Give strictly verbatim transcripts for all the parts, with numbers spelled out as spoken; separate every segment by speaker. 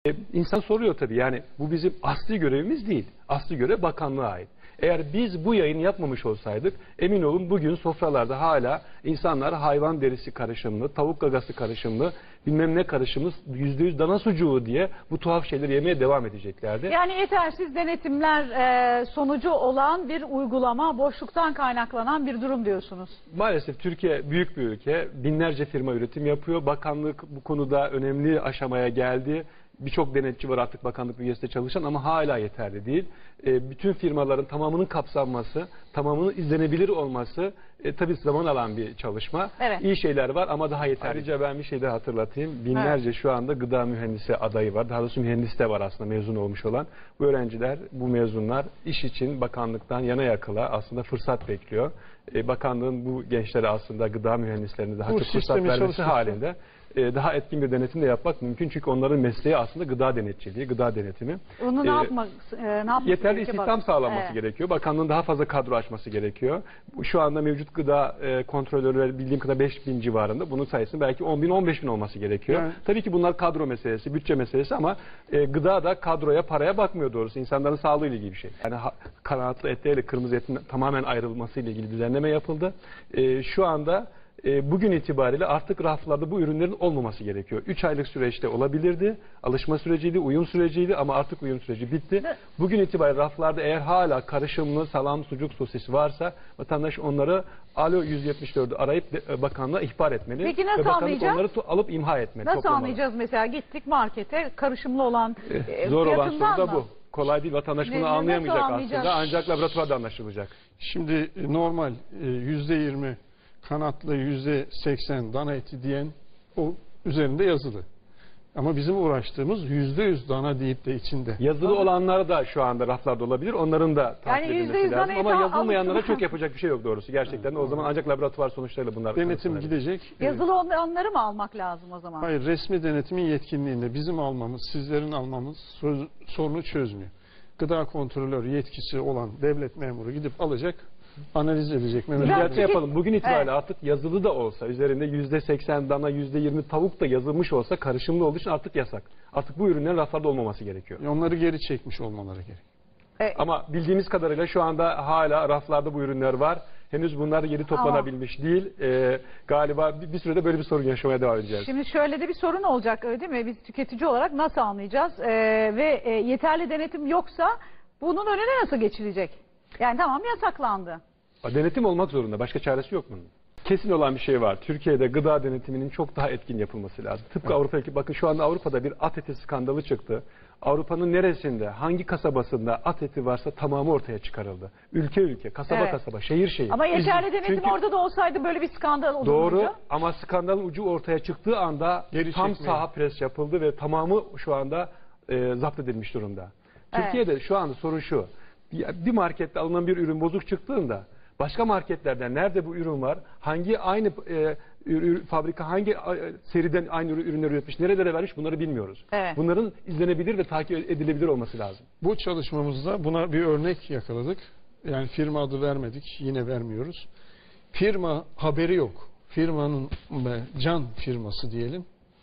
Speaker 1: E, İnsan soruyor tabii, yani bu bizim asli görevimiz değil. Asli görev bakanlığa ait. Eğer biz bu yayını yapmamış olsaydık, emin olun bugün sofralarda hala insanlar hayvan derisi karışımlı, tavuk gagası karışımlı, bilmem ne karışımlı, yüzde yüz dana sucuğu diye bu tuhaf şeyleri yemeye devam edeceklerdi.
Speaker 2: Yani yetersiz denetimler e, sonucu olan bir uygulama, boşluktan kaynaklanan bir durum diyorsunuz.
Speaker 1: Maalesef Türkiye büyük bir ülke, binlerce firma üretim yapıyor. Bakanlık bu konuda önemli aşamaya geldi. Birçok denetçi var artık bakanlık bünyesinde çalışan ama hala yeterli değil. E, bütün firmaların tamamının kapsanması, tamamının izlenebilir olması e, tabii zaman alan bir çalışma.
Speaker 2: Evet.
Speaker 1: İyi şeyler var ama daha yeterli. Ayrıca ben bir şey daha hatırlatayım. Binlerce evet. şu anda gıda mühendisi adayı var. Daha doğrusu mühendis de var aslında mezun olmuş olan. Bu öğrenciler, bu mezunlar iş için bakanlıktan yana yakıla aslında fırsat bekliyor. E, bakanlığın bu gençlere aslında gıda mühendislerine daha bu çok fırsat vermesi halinde daha etkin bir denetim de yapmak mümkün. Çünkü onların mesleği aslında gıda denetçiliği, gıda denetimi.
Speaker 2: Onu ne
Speaker 1: ee,
Speaker 2: yapmak, e, ne yapmak
Speaker 1: yeterli istihdam sağlanması
Speaker 2: evet.
Speaker 1: gerekiyor. Bakanlığın daha fazla kadro açması gerekiyor. Şu anda mevcut gıda e, kontrolörleri bildiğim kadar beş bin civarında. Bunun sayısının belki on bin on beş bin olması gerekiyor. Evet. Tabii ki bunlar kadro meselesi, bütçe meselesi ama e, gıda da kadroya, paraya bakmıyor doğrusu. İnsanların sağlığı ile ilgili bir şey. Yani ha, kanatlı etlerle kırmızı etin tamamen ayrılması ile ilgili düzenleme yapıldı. E, şu anda E, bugün itibariyle artık raflarda bu ürünlerin olmaması gerekiyor. üç aylık süreçte olabilirdi. Alışma süreciydi, uyum süreciydi ama artık uyum süreci bitti. Bugün itibariyle raflarda eğer hala karışımlı salam, sucuk, sosis varsa vatandaş onları Alo yüz yetmiş dördü arayıp de, bakanlığa ihbar etmeli.
Speaker 2: Peki nasıl
Speaker 1: ve bakanlık
Speaker 2: anlayacağız?
Speaker 1: onları alıp imha etmeli.
Speaker 2: Nasıl
Speaker 1: toplamalı.
Speaker 2: Anlayacağız mesela gittik markete karışımlı olan
Speaker 1: e, Zor olan soru da
Speaker 2: mı?
Speaker 1: bu. Kolay değil, vatandaş bunu ne, anlayamayacak aslında ancak laboratuvarda anlaşılacak.
Speaker 3: Şimdi normal yüzde yirmi kanatlı, yüzde seksen dana eti diyen o üzerinde yazılı. Ama bizim uğraştığımız yüzde yüz dana deyip de içinde.
Speaker 1: Yazılı ama olanlar da şu anda raflarda olabilir. Onların da takip
Speaker 2: yani
Speaker 1: edilmesi lazım. Ama yazılmayanlara
Speaker 2: alıp...
Speaker 1: çok yapacak bir şey yok doğrusu. Gerçekten evet. O zaman ancak laboratuvar sonuçlarıyla bunlar...
Speaker 3: Denetim gidecek.
Speaker 2: Yazılı olanları mı almak lazım o zaman?
Speaker 3: Hayır, resmi denetimin yetkinliğinde bizim almamız, sizlerin almamız sorunu çözmüyor. Gıda kontrolörü yetkisi olan devlet memuru gidip alacak, analiz edecek.
Speaker 1: Düzeltme yapalım. Bugün itibariyle evet. artık yazılı da olsa, üzerinde yüzde seksen dana, yüzde yirmi tavuk da yazılmış olsa karışımlı olduğu için artık yasak. Artık bu ürünlerin raflarda olmaması gerekiyor.
Speaker 3: Onları geri çekmiş olmaları gerekiyor.
Speaker 1: Evet. Ama bildiğimiz kadarıyla şu anda hala raflarda bu ürünler var. Henüz bunlar geri toplanabilmiş Ama. değil. Ee, galiba bir, bir sürede böyle bir sorun yaşamaya devam edeceğiz.
Speaker 2: Şimdi şöyle de bir sorun olacak öyle değil mi? Biz tüketici olarak nasıl anlayacağız? Ee, ve e, yeterli denetim yoksa bunun önüne nasıl geçilecek? Yani tamam yasaklandı.
Speaker 1: Denetim olmak zorunda. Başka çaresi yok bunun. Kesin olan bir şey var. Türkiye'de gıda denetiminin çok daha etkin yapılması lazım. Tıpkı evet. Avrupa'daki, bakın şu anda Avrupa'da bir at eti skandalı çıktı. Avrupa'nın neresinde, hangi kasabasında at eti varsa tamamı ortaya çıkarıldı. Ülke ülke, kasaba evet. kasaba, şehir şehir.
Speaker 2: Ama yeterli denetim
Speaker 1: Çünkü
Speaker 2: orada da olsaydı böyle bir skandal olurdu.
Speaker 1: Doğru ama skandalın ucu ortaya çıktığı anda Geri tam çekmeyin. saha pres yapıldı ve tamamı şu anda e, zapt edilmiş durumda. Evet. Türkiye'de şu anda sorun şu. Bir markette alınan bir ürün bozuk çıktığında başka marketlerden nerede bu ürün var, hangi aynı e, ürün, fabrika hangi e, seriden aynı ürünleri üretmiş, nerelere vermiş bunları bilmiyoruz. Evet. Bunların izlenebilir ve takip edilebilir olması lazım.
Speaker 3: Bu çalışmamızda buna bir örnek yakaladık. Yani firma adı vermedik, yine vermiyoruz. Firma haberi yok. Firmanın can firması diyelim.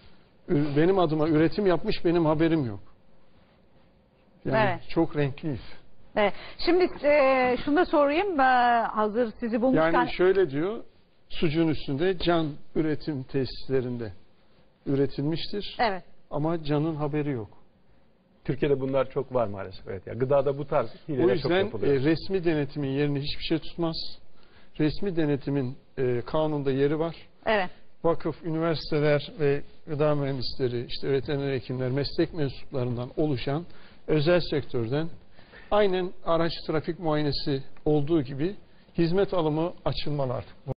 Speaker 3: Benim adıma üretim yapmış, benim haberim yok. Yani evet. çok renkliyiz.
Speaker 2: Evet. Şimdi e, şunu da sorayım. E, hazır sizi bulmuşken...
Speaker 3: Yani şöyle diyor, sucuğun üstünde can üretim tesislerinde üretilmiştir.
Speaker 2: Evet.
Speaker 3: Ama canın haberi yok.
Speaker 1: Türkiye'de bunlar çok var maalesef. Evet. Yani gıdada bu tarz hileler çok yapılıyor.
Speaker 3: O yüzden e, resmi denetimin yerini hiçbir şey tutmaz. Resmi denetimin e, kanunda yeri var.
Speaker 2: Evet.
Speaker 3: Vakıf, üniversiteler ve gıda mühendisleri, işte veteriner hekimler, meslek mensuplarından oluşan özel sektörden aynen araç trafik muayenesi olduğu gibi hizmet alımı açılmalı artık.